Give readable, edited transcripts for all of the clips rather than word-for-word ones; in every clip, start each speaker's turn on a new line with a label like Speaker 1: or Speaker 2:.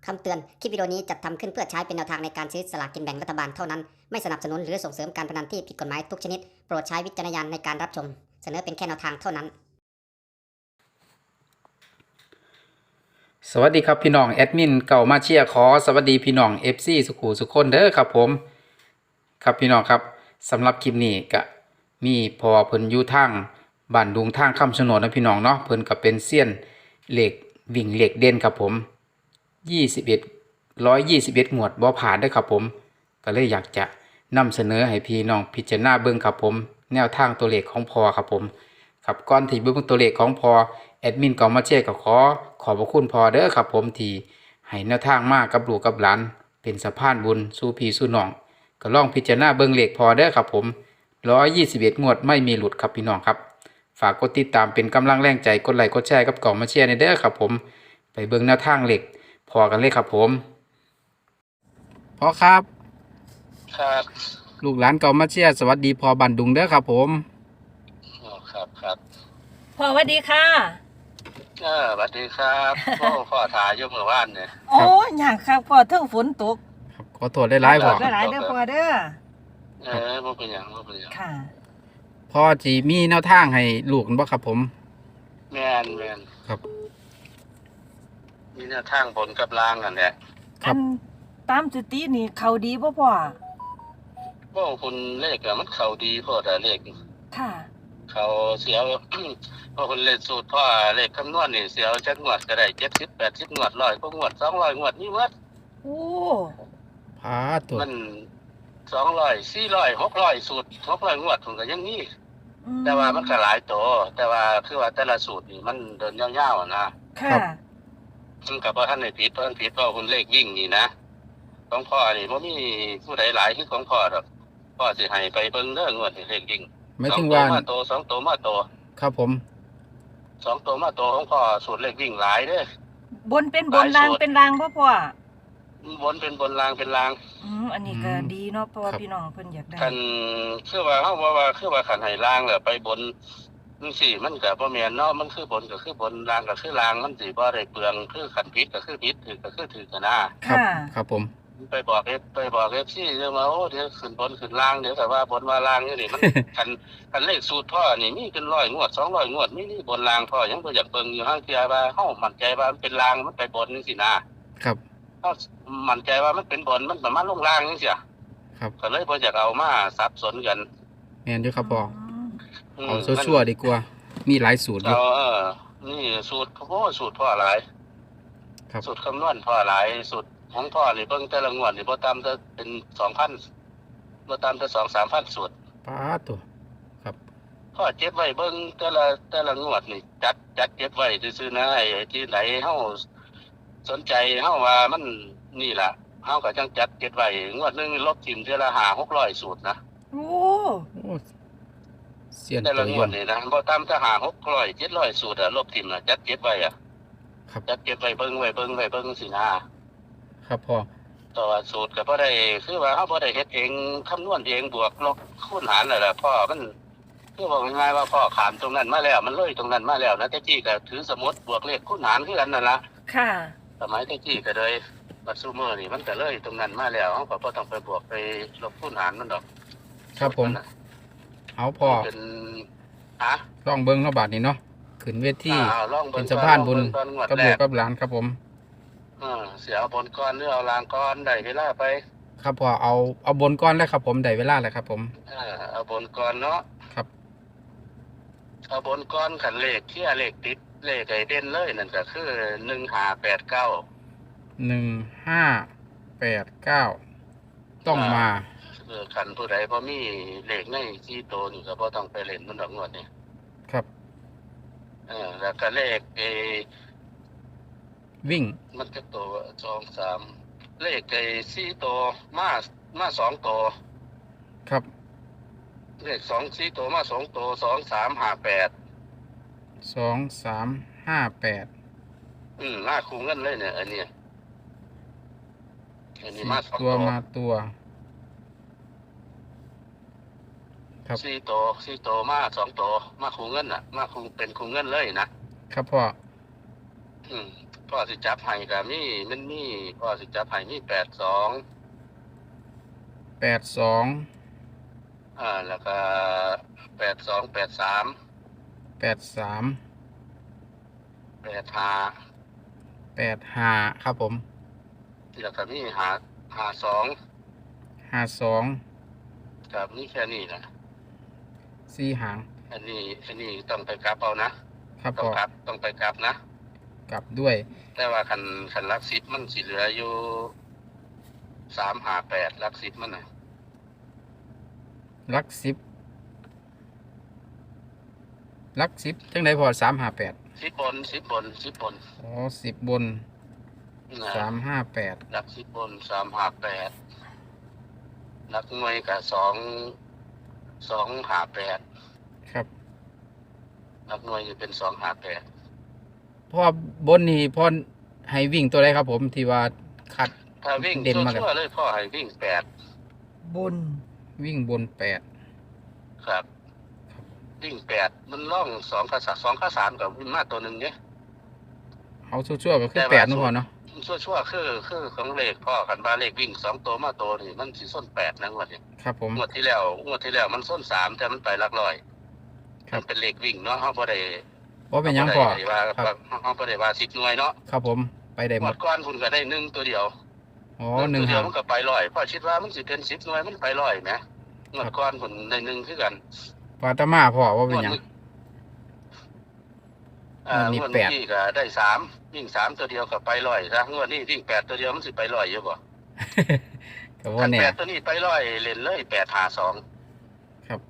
Speaker 1: คำเตือน คลิปวิดีโอนี้จัดทำขึ้นเพื่อใช้เป็นแนวทางในการซื้อสลากกินแบ่งรัฐบาลเท่านั้น ไม่สนับสนุนหรือส่งเสริมการพนันที่ผิดกฎหมายทุกชนิด โปรดใช้วิจารณญาณในการรับชม เสนอเป็นแค่แนวทางเท่านั้น
Speaker 2: สวัสดีครับพี่น้องแอดมินเก่ามาเชียร์ขอสวัสดีพี่น้อง FC สุขุสุขคนเด้อครับผมครับพี่น้องครับสำหรับคลิปนี้ก็มีพอเพิ่นอยู่ทางบ้านดุงทางคำชะโนดนะพี่น้องเนาะเพิ่นก็เป็นเซียนเหล็กวิ่งเหล็กเด่นครับผม121งวดบ่ผ่านเด้อครับผมก็เลยอยากจะนำเสนอให้พี่น้องพิจารณาเบิ่งครับผมแนวทางตัวเลขของพอครับผมครับก่อนที่เบิ่งตัวเลขของพอแอดมินก็มาเช็คก็ขอบพระคุณพอเด้อครับผมที่ให้แนวทางมากับลูกกับหลานเป็นสะพานบุญสู่พี่สู่น้องก็ลองพิจารณาเบิ่งเลขพอเด้อครับผม121งวดไม่มีหลุดครับพี่น้องครับฝากกดติดตามเป็นกำลังแรงใจกดไลค์กดแชร์กับกล่องมาเชียร์ในเด้อครับผมไปเบิ่งแนวทางเลขพอกันเลยครับผมพอครับ
Speaker 3: ครับ
Speaker 2: ลูกหลานเก่ามาเชียร์สวัสดีพอบันดุงเด้อครับผม
Speaker 3: อ๋อครับ
Speaker 4: พ่อสวัสดีค่ะ
Speaker 3: สวัสดีครับพ่อถ่ายอยู่เมื่อวานเนี่ย
Speaker 4: โอ้ยอยากครับพ่อเทิงฝนตก
Speaker 2: ครับขอโทษได้หลายๆพอ
Speaker 4: หลายๆเด้อพ่อเด้อ
Speaker 3: มันเป็นอย่าง
Speaker 4: ค่ะ
Speaker 2: พอจีมีแนวทางให้ลูกบ่ครับผม
Speaker 3: แมน
Speaker 2: ครับ
Speaker 3: มีแนวทางบนกับล่างกันแหละ
Speaker 2: ครับ
Speaker 4: อันตามสตินี่เขาดีบ่พ่อ
Speaker 3: คุณเลขอะมันเข้าดีพ่อแต่เลข
Speaker 4: ค่ะ
Speaker 3: เขาเสียว พอคุณเลขสูตรพ่อเลขคำนวณนี่เสียวจักงวดก็ได้70-80งวด100ก็งวด200งวดนี่วัด
Speaker 4: โอ้
Speaker 2: พาตัว
Speaker 3: มัน200 400 600สูตร600งวดผมก็ยังมีแต่ว่ามันก็หลายโตแต่ว่าคือว่าแต่ละสูตรนี่มันเดินยาวๆนะ
Speaker 4: ค่ะ
Speaker 3: ซึ่งกับว่าท่านในผิดเพราะท่านผิดเพราะคุณเลขวิ่งนี่นะของพ่อนี่บ่มีผู้ใดหลายคือของพ่อดอกพ่อสิให้ไปเบิ่งเด้องวดนี่เลขวิ่ง
Speaker 2: ไม่ถึงว่า
Speaker 3: สองตัวมาโต
Speaker 2: ครับผม
Speaker 3: สองตัวมาโตของพ่อสูตรเลขวิ่งหลายเด้อบ
Speaker 4: นเป็นบนรางเป็นรางบ่พ่อบ
Speaker 3: นเป็นบนล่างเป็นล่าง
Speaker 4: อันนี้ก็ดีเนาะเพราะว่าพี่น้องเพิ่นอยากได้
Speaker 3: คันคือว่าเฮาว่าคือว่าคันให้ล่างแล้วไปบนจังซี่มันก็บ่แม่นเนาะมันคือบนก็คือบนล่างก็คือล่างมันสิบ่ได้เปลืองคือคันผิดก็คือผิดถูกก็คือถูกกันนะ
Speaker 2: ครับ
Speaker 4: ค่ะ
Speaker 2: ครับผม
Speaker 3: ไปบอกเอฟซีเดี๋ยวมาโอ้เดี๋ยวขึ้นบนขึ้นล่างเดี๋ยวแต่ว่าบนว่าล่างนี่นี่มัน คันเลขสูตรพ่อนี่มีเป็น100งวด200งวดมีบนล่างพ่อยังบ่อยากเบิ่งอยู่ห้างเทียว่าเฮามั่นใจว่ามันเป็นล่างมันไปบนจังซี่นะครับ เฮามั่นใจว่ามันเป็นบนมันประมาณลงล่างจังซี่
Speaker 2: ครับ
Speaker 3: ก็เลยบ่อยากเอามาสับสนกัน
Speaker 2: แม่นอยู่ครับพอ
Speaker 3: อืม
Speaker 2: เอาชั่วๆดีกว่า มีหลายสูตรอยู่
Speaker 3: เอานี่สูตรสูตรพ่อหลาย
Speaker 2: ครับ
Speaker 3: สูตรคำนวณพ่อหลายสูตรของพ่อนี่เบิ่งแต่ละงวดนี่บ่ต่ำแต่เป็น 2,000บ่ต่ำแต่ 2-3,000 สูตร
Speaker 2: พาตัว ครับ
Speaker 3: พ่อเจ็บไว้เบิ่งแต่ละงวดนี่จัดเก็บไว้ซื่อๆนะไอ้ที่ไหนเฮาสนใจเฮาว่ามันนี่ล่ะเฮาก็จังจัดเก็บไว้งวดหนึงลบทิ่มเทื่อละ500-600สูตรนะ
Speaker 4: โอ้
Speaker 2: โอ้เสียน
Speaker 3: แต่
Speaker 2: ตั
Speaker 3: ละ
Speaker 2: ว
Speaker 3: ง
Speaker 2: ยว
Speaker 3: ด
Speaker 2: น
Speaker 3: นี่นะบ่ต่ำแต่500-600-700สูตรลบทิ่มน่ะจัดเก็บไว้
Speaker 2: ครับ
Speaker 3: จัดเก็บไว้เบิ่งสินะครับ
Speaker 2: พ่อ
Speaker 3: ต่อสูตรก็บ่ได้คือว่าเฮาบ่ได้เฮ็ดเองคำนวณเองบวกลบคูณหารนั่นแหละพ่อมันคือบอกง่ายๆว่าพ่อขามตรงนั้นมาแล้วมันเลยตรงนั้นมาแล้วนะแต่จี้ก็ถือสมุดบวกเลขคูณหารคือกันนั่นล่ะ
Speaker 4: ค่ะ
Speaker 3: สมัยแต่จี้ก็เลยบัดซูเมอร์นี่มันก็เลยตรงนั้นมาแล้วเฮาก็บ่ต้องไปบวกไปลบคูณหารมันดอก
Speaker 2: ครับผม เอาพอ
Speaker 3: เป็นฮะ
Speaker 2: ลองเบิ่งเนาะบาดนี้เนาะขึ้นเวที
Speaker 3: ลอง
Speaker 2: เป็นสะพานบุญ
Speaker 3: ก่อนงวด
Speaker 2: กับ
Speaker 3: แร
Speaker 2: ลูก
Speaker 3: ก
Speaker 2: กับหลานครับผม
Speaker 3: เสียเอาบนก้อนหรือเอาลางก้อนได้เวลาไป
Speaker 2: ครับพอเอาบนก้อนแล้วครับผมได้เวลาแล้วครับผม
Speaker 3: เอาบนก้อนเนาะ
Speaker 2: ครับ
Speaker 3: เอาบนก้อนขันเลขที่เลขติดเลขไอเด่นเลยนั่นก็คือ1589
Speaker 2: 1589ต้องมา
Speaker 3: ขันผู้ใดพอมีเลขในที่โตวนี่ก็บ่ต้องไปเล่นมันดอกงวดนี่
Speaker 2: ครับ
Speaker 3: แล้วก็เลข
Speaker 2: วิ่ง
Speaker 3: มันก็โตว2-3เลขสี่โตวมา2โตว
Speaker 2: ครับ
Speaker 3: เลข4โตวมา2โตว2358
Speaker 2: 2358
Speaker 3: มาคูเงินเลยเนี่ยอันนี้มา2
Speaker 2: ตัว
Speaker 3: โตว
Speaker 2: มาตัว ครับ
Speaker 3: สี่โตวมา2โตวมาคูเงินน่ะมาคูเป็นคูเงินเลยนะครับ
Speaker 2: พ่อ
Speaker 3: อืมพ่อสิจับให้ก็มีมันมีพ่อสิจับให้มี82 แล้วก็82 83
Speaker 2: 83
Speaker 3: 85
Speaker 2: 85ครับผม
Speaker 3: แล้วก็มี52
Speaker 2: 52
Speaker 3: กับนี่แค่นี้นะ
Speaker 2: 4 หาง
Speaker 3: อันนี้ต้องไปกลับเอานะครับ
Speaker 2: พ่อ
Speaker 3: ต้องไปกลับนะ
Speaker 2: กลับด้วย
Speaker 3: แต่ว่าคันลัก10มันสิเหลืออยู่358ลัก10มันน่ะ
Speaker 2: ลัก10จังได๋พ่อ358
Speaker 3: 10บน
Speaker 2: อ๋อ10 บน
Speaker 3: นะ
Speaker 2: 358
Speaker 3: ลัก10บน358ลักหน่วยก็258
Speaker 2: ครับ
Speaker 3: ลักหน่วยจะเป็น258
Speaker 2: พ่อบนนี่พ่อให้วิ่งตัวใดครับผมที่ว่าคัด
Speaker 3: ถ้าวิ่ง
Speaker 2: เด่นมาก
Speaker 3: ชั่วๆเลยพ่อให้วิ่ง
Speaker 4: บน
Speaker 2: วิ่งบน8
Speaker 3: 8ครับวิ่ง8มันล่อง2กับ3กับวิ่งมาตัวหนึงเนี่ย
Speaker 2: เอาชั่วๆก็คือ8เนาะพ่อเนาะ
Speaker 3: ชั่วๆคือของเลขพ่อกันว่าเลขวิ่ง2ตัวมาตัวนี่มันสิส้น8นะงวดนี้
Speaker 2: ครับผม
Speaker 3: งวดที่แล้วมันส้น3แต่มันไปหลักร้อย
Speaker 2: ครับ
Speaker 3: มันเป็นเลขวิ่งเนาะเฮาบ่ได้
Speaker 2: บ่เป็นหยังพ่อ
Speaker 3: ว่า
Speaker 2: ครับ
Speaker 3: เฮาบ่ได้ว่า10หน่วยเนาะ
Speaker 2: ครับผมไปได้ห
Speaker 3: ง
Speaker 2: ม
Speaker 3: ว
Speaker 2: ด
Speaker 3: ดก่อนพุ่นก็ได้1ตัวเดียว
Speaker 2: อ๋อ
Speaker 3: 1
Speaker 2: 1
Speaker 3: ตัวเดีย
Speaker 2: หาว ง
Speaker 3: มันก็ไปร้อยพ่อคิดว่ามันสิเป็น10หน่วยมันไปร้อยแหมงวดก่อนพุ่นได้1คือกัน
Speaker 2: ปาตมาพ่อว่าเป็นหยัง งวดนี้
Speaker 3: งวด
Speaker 2: แปด
Speaker 3: นี้ก็ได้3วิ่ง3ตัวเดียวก็ไปร้อยซะงวดนี้วิ่ง8ตัวเดียวมันสิไปร้อยอยู่บ่
Speaker 2: ก็
Speaker 3: คั
Speaker 2: ว่าน แน่
Speaker 3: 8ตัวนี้ไปร้อยเล่นเลย852
Speaker 2: ครับ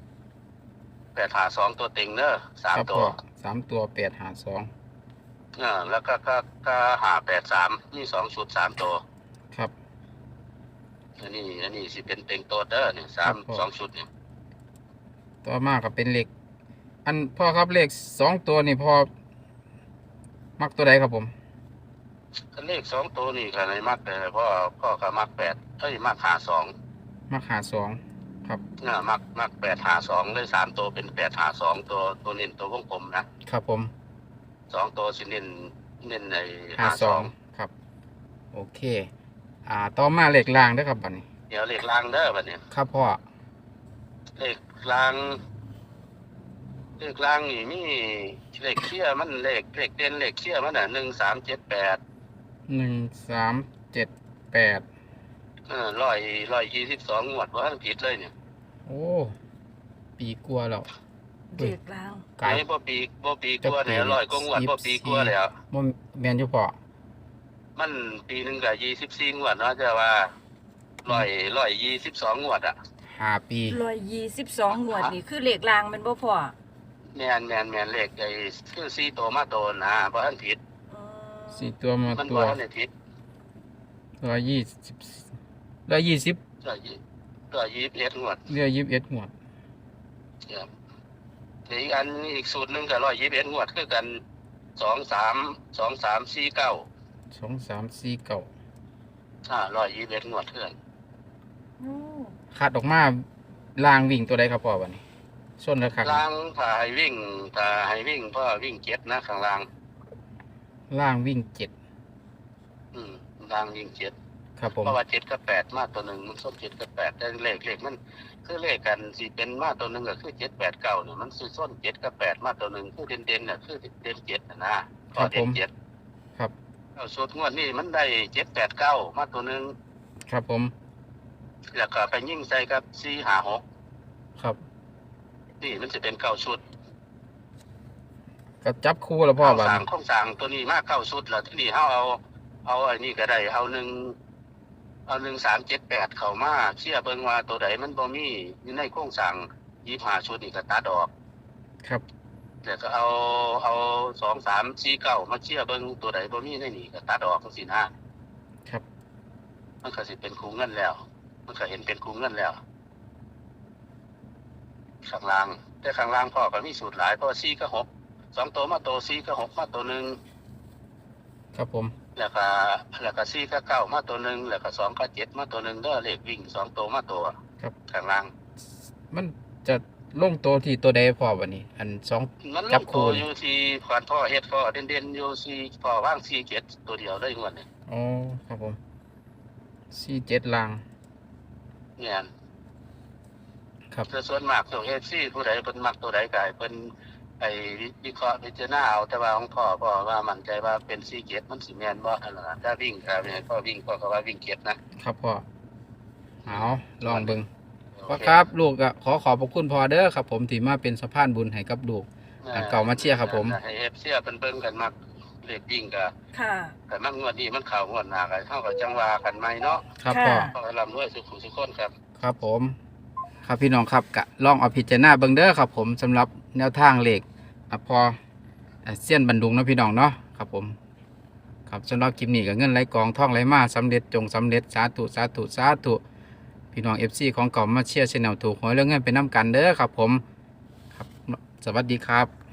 Speaker 3: 852ตัวเต็งเด้อ
Speaker 2: ครับ
Speaker 3: 3ตั
Speaker 2: พ่
Speaker 3: ว
Speaker 2: อ3 ตัว8
Speaker 3: แล้วก็583มี2ชุด3ตัว
Speaker 2: 5 2ครับ
Speaker 3: อันนี้สิเป็นเต็งตัวเด้อนี่
Speaker 2: ครับผม
Speaker 3: 2ชุดนี่
Speaker 2: ต่อมาก็เป็นเลขอันพ่อครับเลข2ตัวนี่พ่อมักตัวใดครับผม
Speaker 3: คันเลข2ตัวนี่ก็ในมักพ่อก็มัก8มัก52
Speaker 2: มัก52ครับ
Speaker 3: มัก852เลย3ตัวเป็น852ตัวเน้นตัววงกลมนะครับ
Speaker 2: ผม
Speaker 3: 2ตัวสิเน้นใน52
Speaker 2: 52ครับโอเคต่อมาเลขล่างเด้อครับบัดนี้
Speaker 3: เดี๋ยวเลขล่างเด้อบัดนี้
Speaker 2: ครับพ่อ
Speaker 3: เลขล่างนี่มีเลขเคี่ยมันเลขเด่นเลขเคี่ยมันน่ะ1378
Speaker 2: 1378
Speaker 3: 122งวดบ่ทันผิดเลยเนี่ย
Speaker 2: โอ้ปีกลัวาแล้ว
Speaker 4: เด็กลาง
Speaker 2: ไกล
Speaker 3: ไอ้บ่ปีกว่าแล้ว100กว่างวดบ่ปีกว่าแล้ว
Speaker 2: บ่แม่นอยู่พ่อ
Speaker 3: มันปีหนึงก็24งวดเนาะแต่ว่า122งวดอ่ะ
Speaker 2: 5 ปี
Speaker 4: 122งวดนี่คือเลขลางแม่นบ่พ่อ
Speaker 3: แม่นเลขไอ้คือ4ตัวมาตัวนะบ่ทันผิด
Speaker 4: อืม
Speaker 2: 4 ตัวมา
Speaker 3: มัน
Speaker 2: ตัว
Speaker 3: บ่ทันได้ผิด
Speaker 2: 120
Speaker 3: 121งวด
Speaker 2: เหลือ21งวด
Speaker 3: ครับเดี๋ยวอีกสูตรหนึงก็121งวดคือกัน2349
Speaker 2: 2349
Speaker 3: 121งวดคือกัน
Speaker 4: โอ้
Speaker 2: คัดออกมาล่างวิ่งตัวใดครับพ่อบัดนี้ส้นแล้วครับ
Speaker 3: ล่างถ้าให้วิ่งพ่อวิ่ง7นะข้างล่าง
Speaker 2: ล่างวิ่ง
Speaker 3: ล่างวิ่ง7
Speaker 2: 7ครับผม
Speaker 3: เพราะว่า7กับ8มาตัวหนึงมันส้ม7กับ8แต่เลขมันคือเลขกันสิเป็นมาตัวหนึงก็คือ7 8 9เนี่ยมันสิส้น7กับ8มาตัวหนึงคือเด่นๆน่ะคือเด่น7นะก็เด่น7
Speaker 2: ครับ
Speaker 3: เอาสูตรงวดนี้มันได้7 8 9มาตัวหนึง
Speaker 2: ครับผม
Speaker 3: แล้วก็ไปยิ่งใส่กับ4 5 6
Speaker 2: ครับ
Speaker 3: นี่มันจะเป็น9ชุด
Speaker 2: ก็จับคู่แล้วพ่อบัด
Speaker 3: สร้าง
Speaker 2: นี้
Speaker 3: โครงสร้างตัวนี้มา9ชุดแล้วที่นี่เฮาเอาไอ้นี่ก็ได้เอา1378เข้ามาเชื่อเบิ่งว่าตัวใดมันบ่มีอยู่ในโครงสร้าง25ชุดนี่ก็ตัดออก
Speaker 2: ครับ
Speaker 3: แล้วก็เอา2349มาเชื่อเบิ่งตัวใดบ่มีในนี่ก็ตัดออกจังซี่นะครับ มันก็สิเป็นคูเงินแล้ว มันก็เห็นเป็นคูเงินแล้วข้างล่างแต่ข้างล่างพ่อก็มีสูตรหลายเพราะว่า4กับ6 2ตัวมาตัว4กับ6มาตัวหนึง
Speaker 2: ครับผม
Speaker 3: แล้วก็4กับ9มาตัวหนึงแล้วก็2กับ7มาตัวหนึงเด้อเลขวิ่ง2ตัวมาตัว
Speaker 2: ครับ
Speaker 3: ข้างล่าง
Speaker 2: มันจะลงตัวที่ตัวใดพอบัดนี้ อันสอง
Speaker 3: มันล
Speaker 2: จับ
Speaker 3: ง
Speaker 2: คู่
Speaker 3: ตัว
Speaker 2: นี่
Speaker 3: อยู่ที่ขวานพ่อเฮ็ดพ่อเด่นๆอยู่ที่พ่อว่าง47ตัวเดียวเลยงวดนี้
Speaker 2: อ๋อครับผม47ลาง
Speaker 3: เนี่ย
Speaker 2: ครับ
Speaker 3: แต่ส่วนมากตัว FC ผู้ใดเพิ่นมักตัวใดก็ให้เพิ่นไปวิเคราะห์พิจารณาเอาแต่ว่าของพ่อว่ามั่นใจว่าเป็น47มันสิแม่นบ่นั่นล่ะถ้าวิ่งก็ให้พ่อวิ่งพ่อก็ว่าวิ่งเก็บนะครับ
Speaker 2: พ่อเอาลองเบิ่ง
Speaker 3: โอ
Speaker 2: พ่อ
Speaker 3: เ
Speaker 2: ครับลูกก็ขอขอบพระคุณพ่อเด้อครับผมที่มาเป็นสะพานบุญให้กับลูก อันเก่ามาเชียร์ครับผม
Speaker 3: ให้ FC เพิ่นเบิ่งกันมักเลขวิ่งก็
Speaker 4: ค่ะ
Speaker 3: แต่มันงวดนี้มันเข้างวดหน้าก็เฮาก็จังว่ากันใหม่เนาะ
Speaker 2: ครับ
Speaker 4: ค่ะ
Speaker 2: พ่อ
Speaker 3: ขอให้ร่ำรวยสุขสุขคนครับ
Speaker 2: ครับผม ครับพี่น้องครับกะลองเอาพิจารณาเบิ่งเด้อครับผมสำหรับแนวทางเลขพอเสี้ยนบันดุงเนาะพี่น้องเนาะครับผมครับสำหรับคลิปนี้ก็เงินไหลกองท่องไหลมาสำเร็จจงสำเร็จสาธุสาธุสาธุพี่น้อง FC ของเก่ามาเชียร์ชแนลถูกหวยเรื่องเงินเป็นน้ำกันเด้อครับผมครับสวัสดีครับ